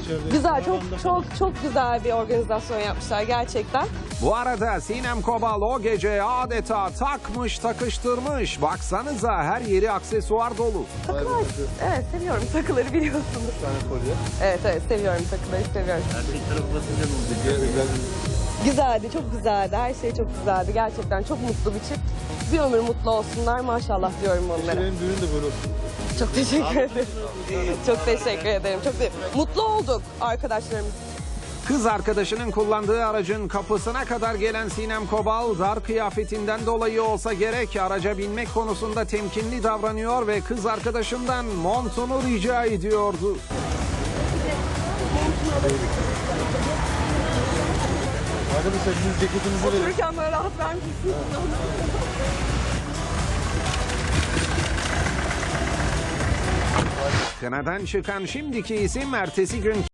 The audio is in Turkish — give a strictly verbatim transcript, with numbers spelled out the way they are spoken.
içeride? Güzel, çok Karavanda çok falan. çok güzel bir organizasyon yapmışlar gerçekten. Bu arada Sinem Kobal o gece adeta takmış takıştırmış. Baksanıza her yeri aksesuar dolu. Takılar, evet seviyorum takıları biliyorsunuz. Bir tane kolye. Evet evet seviyorum takıları seviyorum. Erkek tarafı basınca ne oldu? Güzel. Güzeldi, çok güzeldi. Her şey çok güzeldi. Gerçekten çok mutlu bir çift. Bir ömür mutlu olsunlar. Maşallah diyorum onlara. Benim düğün de böyle olsun. Çok teşekkür ederim. Çok teşekkür ederim. Çok de- mutlu olduk arkadaşlarımız. Kız arkadaşının kullandığı aracın kapısına kadar gelen Sinem Kobal dar kıyafetinden dolayı olsa gerek araca binmek konusunda temkinli davranıyor ve kız arkadaşından montunu rica ediyordu. Arkadaşlar siz ceketinizi verin. Otururken böyle rahat vermişsiniz. Kınadan çıkan şimdiki isim ertesi gün